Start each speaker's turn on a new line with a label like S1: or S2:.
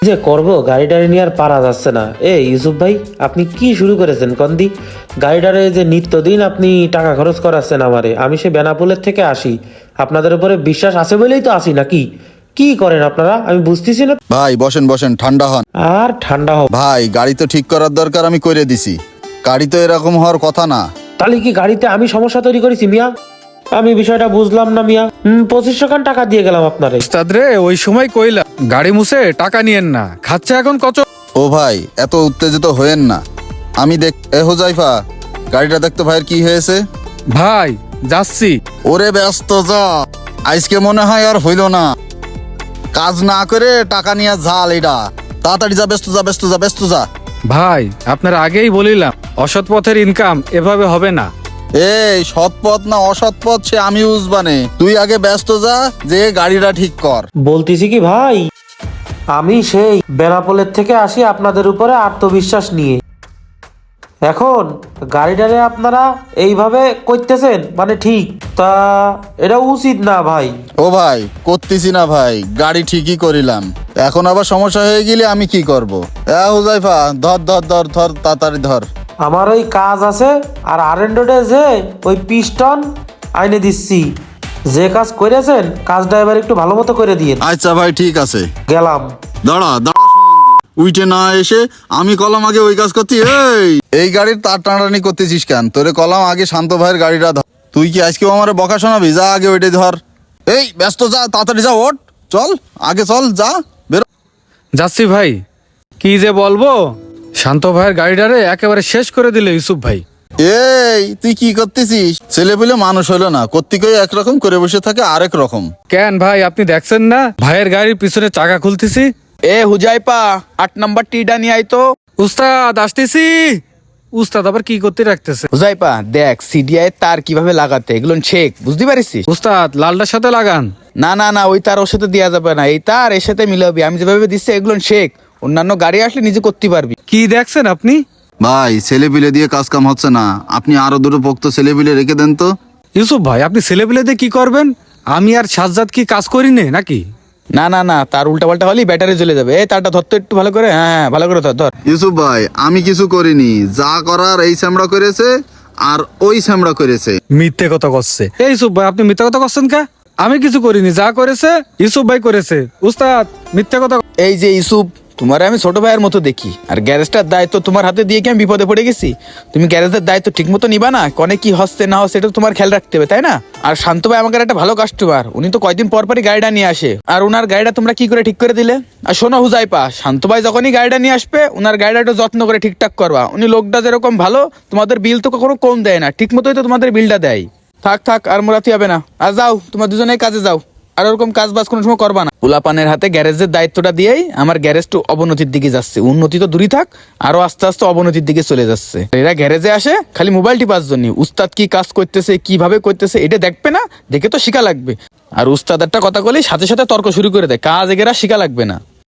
S1: যে করব গাড়িটারে নিয়ে আর পারা যাচ্ছে না। ইউসুফ ভাই, আপনি কি শুরু করেছেন কন্দি? গাড়িটারে যে নিত্যদিন আপনি টাকা খরচ করাচ্ছেন আমারে, আমি সে বেনাপোলের থেকে আসি, আপনাদের উপরে বিশ্বাস আছে বলেই তো আসি, নাকি কি করেন আপনারা আমি বুঝতেছি না।
S2: ভাই বসেন বসেন, ঠান্ডা হন।
S1: আর ঠান্ডা হোক
S2: ভাই, গাড়ি তো ঠিক করার দরকার, আমি করে দিছি। গাড়ি তো এরকম হওয়ার কথা না।
S1: তাহলে কি গাড়িতে আমি সমস্যা তৈরি করেছি মিয়া? আমি বিষয়টা বুঝলাম না মিয়া। 2500 খান টাকা দিয়ে গেলাম আপনারে।
S3: ওস্তাদ রে, ওই সময় কইলা গাড়ি মুছে টাকা নিয়েন না, খাচ্ছে এখন কচ।
S2: ও ভাই, এত উত্তেজিত হয়েন না। আমি হুজাইফা, গাড়িটা দেখতো ভাইয়ের কি হয়েছে।
S3: ভাই যাচ্ছি।
S2: ওরে ব্যস্ত যা, আজকে মনে হয় আর হইল না। কাজ না করে টাকা নিয়ে ঝাল এটা। তাড়াতাড়ি যা, ব্যস্ত যা, ব্যস্ত যা, ব্যস্ত যা।
S3: ভাই আপনার আগেই বলিলাম, অসৎ পথের ইনকাম এভাবে হবে না।
S2: এই সৎ পথ না অসৎ পথ সে আমি বুঝবানে। তুই আগে ব্যস্ত যা, যে গাড়িটা ঠিক কর।
S1: বলতেছি কি ভাই, আমি সেই বেনাপোলের থেকে আসি আপনাদের উপরে আত্মবিশ্বাস নিয়ে। এখন গাড়িটারে আপনারা এইভাবে করতেছেন, মানে ঠিক তা এটা উচিত না ভাই।
S2: ও ভাই, করতেছি না ভাই, গাড়ি ঠিকই করিলাম। এখন আবার সমস্যা হয়ে গেলে আমি কি করব? হুজাইফা, ধর ধর ধর ধর, তাড়াতাড়ি ধর।
S1: আমার ওই কাজ আছে, আর আরেন্ডোডে যে ওই পিস্টন আইনে দিচ্ছি। যে কাজ করেছেন কাজটা এবার একটু ভালো মতো করে দিয়ে
S2: আচ্ছা ভাই, ঠিক আছে।
S1: গেলাম।
S2: দাঁড়া দাঁড়া, উইটে না এসে আমি কলাম আগে ওই কাজ করতি। এই গাড়ির তার টানাটানি করতেছিস কেন? তোরে কলাম আগে শান্ত ভাইয়ের গাড়িটা ধর। তুই কি আজকেও আমার বকা শোনাবি? যা আগে ওইটাই ধর। এই ব্যস্ত যা, তাড়াতাড়ি যা, ওঠ, চল আগে চল, যা বেরো।
S3: যাচ্ছি ভাই। কি যে বলবো, শান্ত ভাইয়ের গাড়িটারে একেবারে শেষ করে দিলে ইউসুফ ভাই।
S2: এই তুই কি করতেছিস? ছেলে পেলে মানুষ হলো না, কর্তিকই একরকম করে বসে থাকে আরেক রকম।
S3: কেন ভাই, আপনি দেখছেন না ভাইয়ের গাড়ির পিছনে চাকা খুলতেছি?
S4: হুজাইপা, 8 নাম্বার টিটা নিয়ে আয় তো।
S3: উস্তাদ আসতেছি। উস্তাদ আবার কি করতে রাখতেছে?
S4: হুজাইপা দেখ, সিডিআই তার কিভাবে লাগাতে, এগুলো শেখ, বুঝতে পারিস?
S3: উস্তাদ লালটার সাথে লাগান।
S4: না না না, ওই তার ওর সাথে দেওয়া যাবে না, এই তার এর সাথে মিলাবি। আমি যেভাবে দিচ্ছি এগুলো শেখ, অন্যান্য গাড়ি আসলে নিজে করতে পারবি।
S3: কি দেখছেন আপনি?
S2: ভাই, ছেলে পিলে দিয়ে কাজ কাম হচ্ছে না, আপনি আরো দুটো পোক্ত ছেলে পিলে রেখে দেন তো।
S3: ইউসুফ ভাই, আপনি ছেলেপিলে দিয়ে কি করবেন? আমি আর সাজ্জাদ কি কাজ করি নে নাকি?
S4: না না না, তার উল্টা পাল্টা হলেই ব্যাটারি জ্বলে যাবে। তারটা ধরতো একটু ভালো করে। হ্যাঁ, ভালো করে ধর ধর।
S2: ইউসুফ ভাই, আমি কিছু করিনি, যা করার এই স্যামড়া করেছে আর ওই স্যামড়া করেছে।
S3: মিথ্যে কথা করছে। এই ইউসুফ ভাই, আপনি মিথ্যে কথা করছেন কে? আমি কিছু করিনি, যা করেছে ইউসুফ ভাই করেছে। উস্তাদ মিথ্যে কথা।
S4: এই যে ইউসুফ, তোমার আমি ছোট ভাইয়ের মতো দেখি, আর গ্যারেজটার দায়িত্ব তোমার হাতে দিয়ে কি আমি বিপদে পড়ে গেছি? তুমি গ্যারেজের দায়িত্ব ঠিক মতো নিবা না? কনে কি হচ্ছে না হচ্ছে এটা তোমার খেয়াল রাখতে হবে, তাই না? আর শান্ত ভাই আমাদের একটা ভালো কাস্টমার, উনি তো কয়দিন পর পরই গাড়িটা নিয়ে আসে। আর ওনার গাড়িটা তোমরা কি করে ঠিক করে দিলে? আর শোনো হুজাইপা, শান্ত ভাই যখনই গাড়িটা নিয়ে আসবে ওনার গাড়িটা একটু যত্ন করে ঠিকঠাক করবা। উনি লোকটা যেরকম ভালো, তোমাদের বিল তো কখনো কম দেয় না, ঠিক মতোই তো তোমাদের বিলটা দেয়। থাক থাক, আর মোরাতি হবে না। আর যাও, তোমার দুজনেই কাজে যাও, আর ওরকম কাজ বাজ কোনো সময় করবা না। পোলাপানের হাতে গ্যারেজের দায়িত্বটা দিয়েই আমার গ্যারেজটা অবনতির দিকে যাচ্ছে। উন্নতি তো দূরই থাক, আরো আস্তে আস্তে অবনতির দিকে চলে যাচ্ছে। এরা গ্যারেজে আসে খালি মোবাইল টিপার জন্য। উস্তাদ কি কাজ করতেছে, কিভাবে করতেছে এটা দেখবে না, দেখে তো শিখা লাগবে। আর উস্তাদ একটা কথা বলি, সাথে সাথে তর্ক শুরু করে দেয়, কাজ এগেরা শিখা লাগবে না।